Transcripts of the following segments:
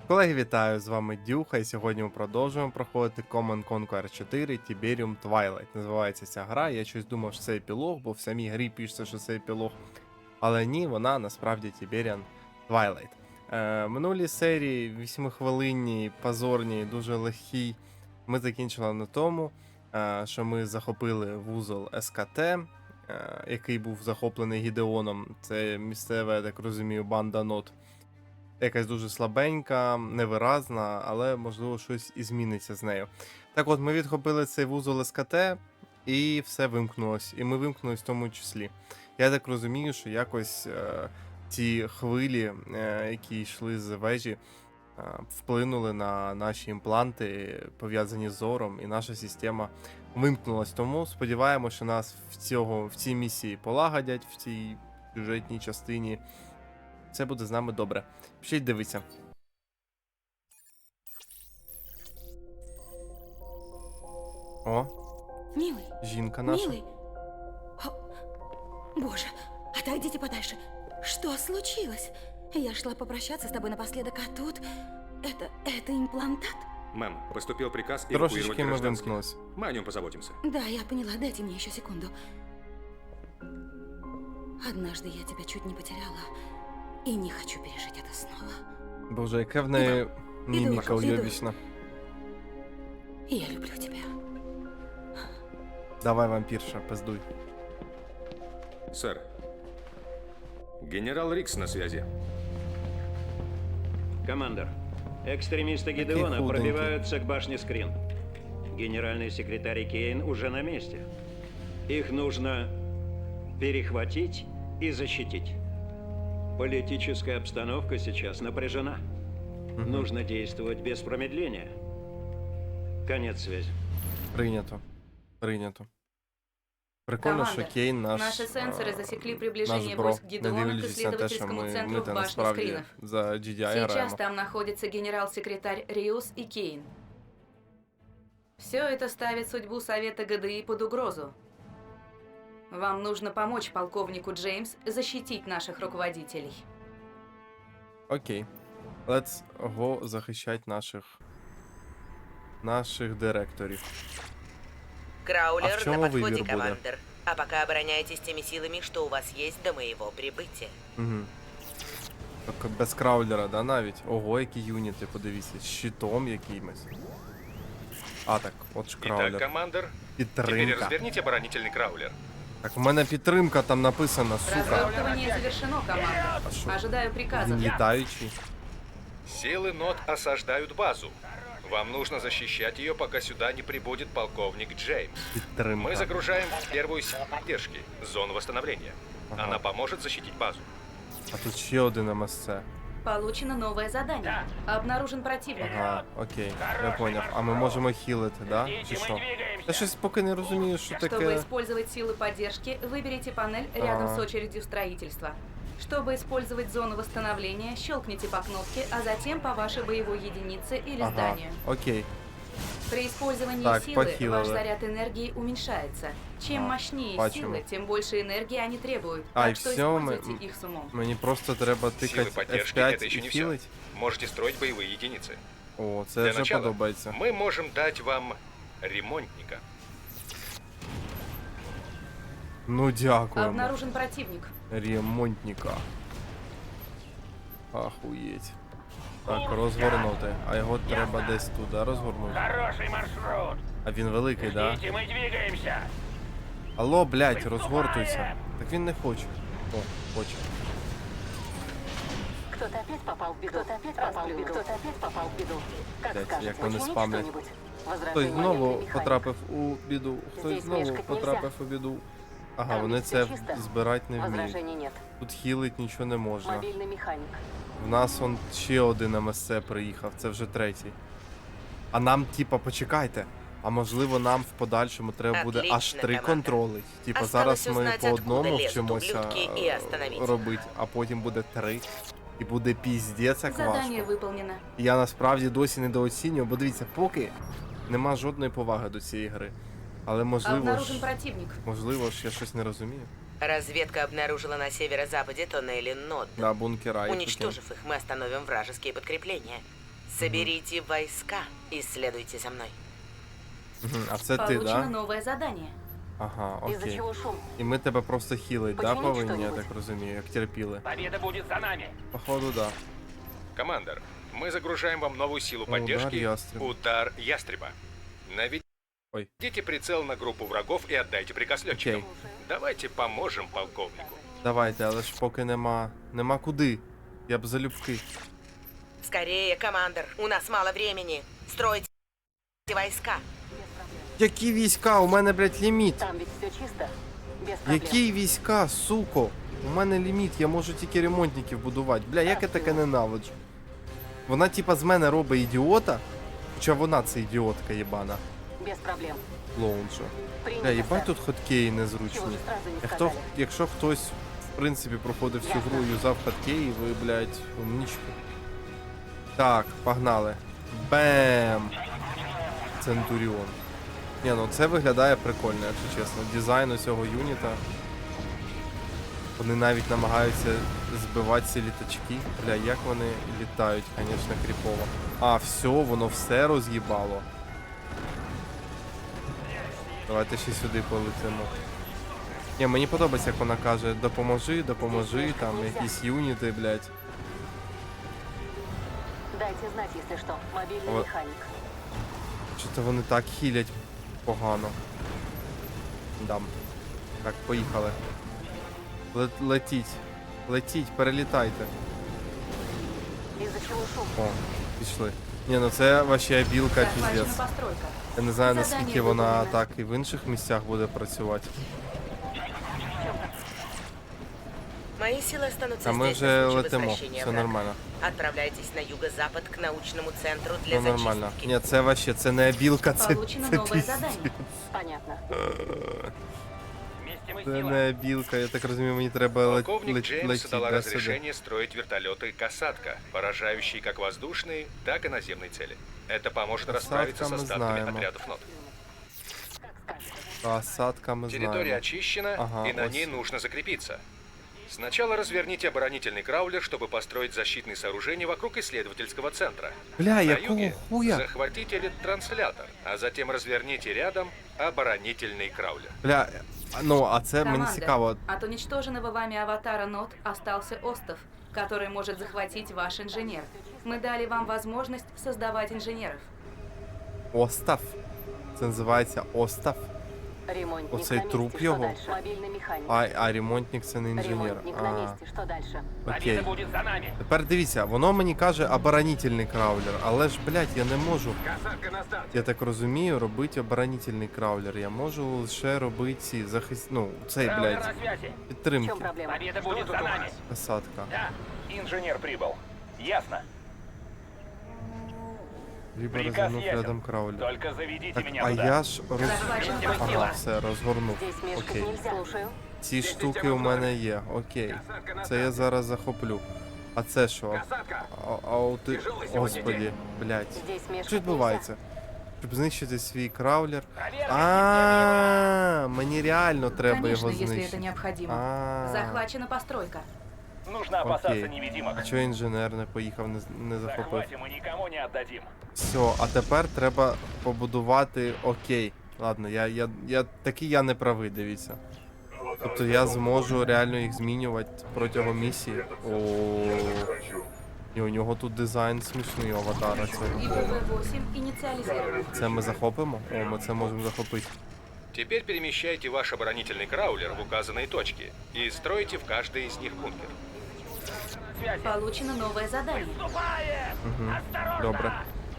Колеги, вітаю! З вами Дюха, і сьогодні ми продовжуємо проходити Command Conquer 4 Tiberium Twilight. Називається ця гра. Я щось думав, що це епілог, бо в самій грі пишеться, що це епілог. Але ні, вона насправді Tiberium Twilight. Минулі серії 8-хвилинні, позорні, дуже легкі. Ми закінчили на тому, що ми захопили вузол СКТ, який був захоплений Гідеоном. Це місцева, я так розумію, банда нот. Якась дуже слабенька, невиразна, але можливо щось і зміниться з нею. Так от, ми відхопили цей вузол СКТ і все вимкнулось. І ми вимкнулись в тому числі. Я так розумію, що якось ці хвилі, які йшли з вежі, вплинули на наші імпланти, пов'язані з зором, і наша система вимкнулась. Тому сподіваємося, що нас в цій місії полагодять, в цій сюжетній частині. Все буде з нами добре. Пишіть, дивіться. О, Милый, жінка наша. милый. О, Боже, отойдите подальше. Что случилось? Я шла попрощаться с тобой напоследок, а тут... Это имплантат? Мэм, поступил приказ эвакуировать Трошечки ми гражданских. вимкнулись. Мы о нем позаботимся. Да, я поняла, дайте мне еще секунду. Однажды я тебя чуть не потеряла. И не хочу пережить это снова. Боже, яка в неї міміка іду. уйобічна. Я люблю тебя. Давай, вампірша, пиздуй. Сэр. Генерал Рикс на связи. Командор, экстремисты Гидеона худенький. пробиваются к башне Скрин. Генеральный секретарь Кейн уже на месте. Их нужно перехватить и защитить. Политическая обстановка сейчас напряжена. Нужно действовать без промедления. Конец связи. Прийнято. Прийнято. Прикольно, що Командор, Кейн наш... Наши сенсоры засекли наш приближение бро, войск не Гидеона к дивлячись на те, що исследовательскому ми центру в та башне насправді Скринов. за GDI Сейчас граємо. там находится генерал-секретарь Риус и Кейн. Все это ставит судьбу Совета ГДИ под угрозу. Вам нужно помочь полковнику Джеймс защитить наших руководителей. Окей. Let's go захищати наших директорів. А Краулер в чому на вибір подходе, буде? командир. А пока обороняйтесь теми силами, что у вас есть до моего прибытия. Угу. Так без краулера, да, навіть? Ого, які юніти, подивіться, з щитом якимось. А, так, от ж краулер. Итак, командор, теперь Підтримка. разверните оборонительный краулер. Так, у мене підтримка там написана, сука. Развертывание завершено, команда. А що? Ожидаю приказов. Він літаючий. Силы НОТ осаждают базу. Вам нужно защищать ее, пока сюда не прибудет полковник Джеймс. Підтримка. Мы загружаем первую силу поддержки, зону восстановления. Ага. Она поможет защитить базу. А тут ще один МСЦ. Получено новое задание. Обнаружен противник. Ага, окей, я поняв. А ми можемо хілити, да? Чи що? Я щось поки не розумію, що Чтобы таке. использовать силы поддержки, выберите панель рядом Ага. с очередью строительства. Чтобы использовать зону восстановления, щелкните по кнопке, а затем по вашей боевой единице или Ага, зданию. окей. При использовании Так, силы похилили. ваш заряд энергии уменьшается. Чем Ага, мощнее бачимо. силы, тем больше энергии они требуют. А, так и что всё, мы- используйте их с умом. Мені просто треба Силы тикати поддержки F5 это еще і не все. хілить. Можете строить боевые единицы. О, це Для вже начала подобається. мы можем дать вам ремонтника. Ну дякуємо. Обнаружен противник. Ремонтника. Ахуєть. Так, розгорнути. А його треба десь туди розгорнути. Хороший маршрут. А він великий, да? Ждите, мы двигаемся. Алло, блядь, розгортуйся. Так він не хоче. О, хоче. Кто-то опять попал в беду. Кто-то опять попал в беду. Кто-то опять попал в беду. Как Блядь, скажешь, як вони починить спамлять. что-нибудь? Хтось Возражений знову военный механик. потрапив у біду. Хтось Здесь знову мешкать потрапив у біду. Ага, Там вони всё це чисто. збирати не вміють. Возражений нет. Тут хілить нічого не можна. Мобильный механик. В нас он ще один МСЦ приїхав, це вже третій. А нам, типа, почекайте. А можливо, нам в подальшому треба буде аж Отлично, 3 команда. контроли. Типа Осталось зараз ми узнать, по одному откуда лезут вчимося ублюдки, і остановить їх. робити, а потім буде 3. І буде піздець як Задание важко. выполнено. Я насправді досі недооцінюю, бо дивіться, поки нема жодної поваги до цієї гри. Але Обнаружен противник. можливо ж я щось не розумію. Разведка обнаружила на северо-западе туннели НОД. Да, бункера і таке. Уничтожив их, мы остановим вражеские подкрепления. Соберите войска и следуйте за мной. Мгм. А це ти, Получено да? новое задание. Ага, Из-за окей. чего шум? І ми тебе просто хілить, да, Починіть повинні, я що-нибудь. так розумію, як терпіли. Победа будет за нами. Походу, да. Командор, мы загружаем вам новую силу Удар поддержки. ястреба. Удар ястреба. Ой. Наведите прицел на группу врагов и отдайте приказ летчикам. Окей. Давайте поможем полковнику. Давайте, але ж поки нема куди. Я б залюбки. Скорее, командор, у нас мало времени. Стройте войска. Які війська? У мене, блядь, ліміт. Там ведь все чисто. Без проблем. Які війська, суко? У мене ліміт, я можу тільки ремонтників будувати. Бля, як я таке ненавиджу. Вона типа з мене робить ідіота, хоча вона це ідіотка єбана. Без проблем. Лоунжа. Принято, Бля, їбать сэр. тут хоткеї Чего незручні. же сразу не Хто, сказали? якщо хтось, в принципі, проходив всю гру і юзав хоткеї, ви, блядь, умнічки. Так, погнали. Бем! Центуріон. Ні, ну це виглядає прикольно, якщо чесно. Дизайн усього юніта. Вони навіть намагаються збивати ці літачки. Бля, як вони літають, звісно, кріпово. А, все, воно все роз'їбало. Давайте ще сюди полетимо. Ні, мені подобається, як вона каже, допоможи, там якісь юніти, блядь. Дайте знать, если что. Мобильный Вот. механик. Що-то вони так хілять погано. Дам. Так, поїхали. Летіть, перелітайте. Из-за чего шум? О, пішли. Ні, ну це вообще білка Захвачена піздець. постройка. Я не знаю, Задання наскільки вона виконано. так і в інших місцях буде працювати. Мои силы останутся А ми здесь вже на случай летимо, возвращения все врага. нормально. Отправляйтесь на юго-запад к научному центру для Все нормально. зачистки. Ні, це вообще, це не білка, це Получено новое піздець. задание. Понятно. Вместе мы Це сила. не білка, я так розумію, мені треба Полковник Джеймс летіти дала да, сюди. разрешение строить вертолеты «Касатка», поражающие как воздушные, так и наземные цели. Это поможет «Касатка» расправиться с мы остатками знаем. отрядов НОТ. Осадка ми Территория знаємо. очищена, Ага, и на ось. ней нужно закрепиться. Сначала разверните оборонительный краулер, чтобы построить защитные сооружения вокруг исследовательского центра. Бля, На якого юге хуя? захватите ретранслятор, а затем разверните рядом оборонительный краулер. Бля, ну, а це мені Команда, цікаво. от уничтоженного вами аватара НОТ остался остов, который может захватить ваш инженер. Мы дали вам возможность создавать инженеров. Остав. Це називається Остав. Ремонтник Оцей на месте. труп Что його? дальше? Мобильный механик. А ремонтник це не інженер. Ремонтник на месте. Что дальше? Окей. Победа будет за нами. Тепер дивіться, воно мені каже оборонительний краулер, але ж, блядь, я не можу, Касатка на старте. я так розумію, робити оборонительний краулер. Я можу лише робити ці ну, цей, Краулер блядь, на связи. В підтримки. чем проблема? Победа будет за нами. Посадка. Да, инженер прибыл. Ясно. Либо Приказ розвернув ясен. рядом краулер. Только заведите Так, меня а туда. я ж Захвачена Ага. Ага, постройка. все, розгорнув. Здесь мешкать Окей. нельзя. Слушаю. Ці штуки у мене є, окей. Це я зараз захоплю. А це що? Касатка. Ти... Господі, блядь. Здесь мешкать Що відбувається? Щоб знищити свій краулер. Проверка. А, мені реально треба Конечно, його если это знищити. необходимо. А, Захвачена постройка. Нужно опасаться окей. невидимок. А чого інженер не поїхав, не захопив? Захватим и никому не отдадим. Все, а тепер треба побудувати окей. Ладно, я не правий, дивіться. Тобто я зможу реально їх змінювати протягом місії. О, і у нього тут дизайн смішний у аватара. ИПВ-8 инициализирован. Це ми захопимо? О, ми це можемо захопити. Теперь перемещайте ваш оборонительный краулер в указанные точки и стройте в каждой из них бункер. Связи. Получено новое задание. Вступаем! Угу. Осторожно! Добре.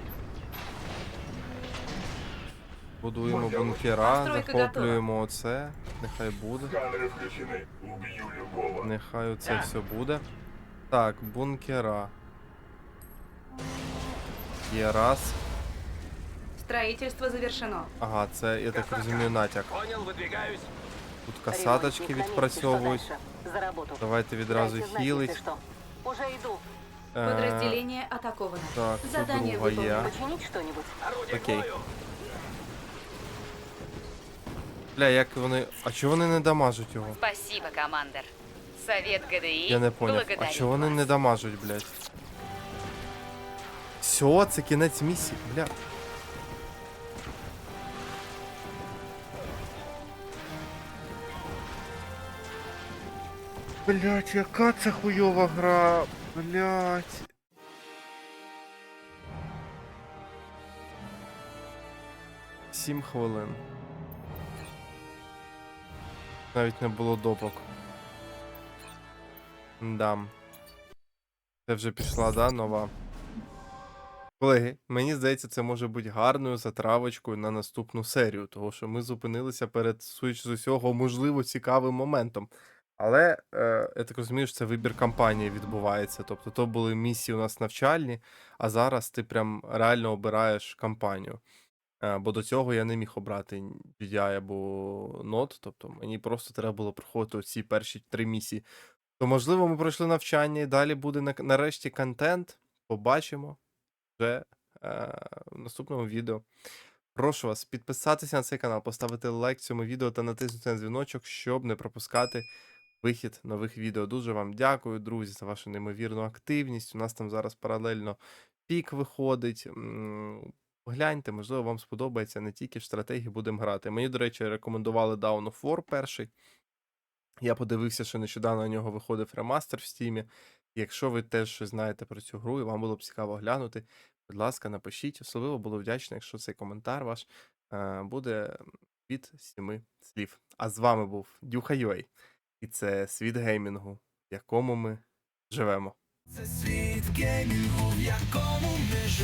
Будуємо бункера, Постройка захоплюємо оце. Нехай буде. Нехай оце все буде. Так, бункера. Є раз. Строительство завершено. Ага, це, я так розумію, натяк. Понял, выдвигаюсь. Тут касаточки Ремонтник на месте. відпрацьовують. Что дальше? За работу. Давайте відразу Дайте знать, хілить. если что. Уже иду. Подразделение атаковано. Так, Задание друга є. выполнено. Починить что-нибудь? Орудие к Окей. бою. Бля, як вони. А чого вони не дамажуть його? Спасибо, командир. Совет ГДИ Я не поняв. А благодарит чого вони вас. не дамажуть, блядь? Все, Все, це кінець місії, бля. Блять, яка це хуйова гра, блять. Сім хвилин. Навіть не було допок. Да. Це вже пішла, да, нова. Колеги, мені здається, це може бути гарною затравочкою на наступну серію, тому що ми зупинилися перед, судячи з усього, можливо, цікавим моментом. Але я так розумію, що це вибір кампанії відбувається. Тобто то були місії у нас навчальні, а зараз ти прям реально обираєш кампанію. Бо до цього я не міг обрати GDI або NOT, тобто мені просто треба було проходити оці перші 3 місії. То, можливо, ми пройшли навчання і далі буде нарешті контент. Побачимо вже в наступному відео. Прошу вас підписатися на цей канал, поставити лайк цьому відео та натиснути на дзвіночок, щоб не пропускати вихід нових відео. Дуже вам дякую, друзі, за вашу неймовірну активність. У нас там зараз паралельно пік виходить. Гляньте, можливо, вам сподобається, не тільки в стратегії будемо грати. Мені, до речі, рекомендували Dawn of War перший. Я подивився, що нещодавно на нього виходив ремастер в Стімі. Якщо ви теж щось знаєте про цю гру і вам було б цікаво глянути, будь ласка, напишіть. Особливо було вдячно, якщо цей коментар ваш буде від 7 слів. А з вами був Дюха.ua. І це світ геймінгу, в якому ми живемо. Це світ геймінгу, в якому ми живемо.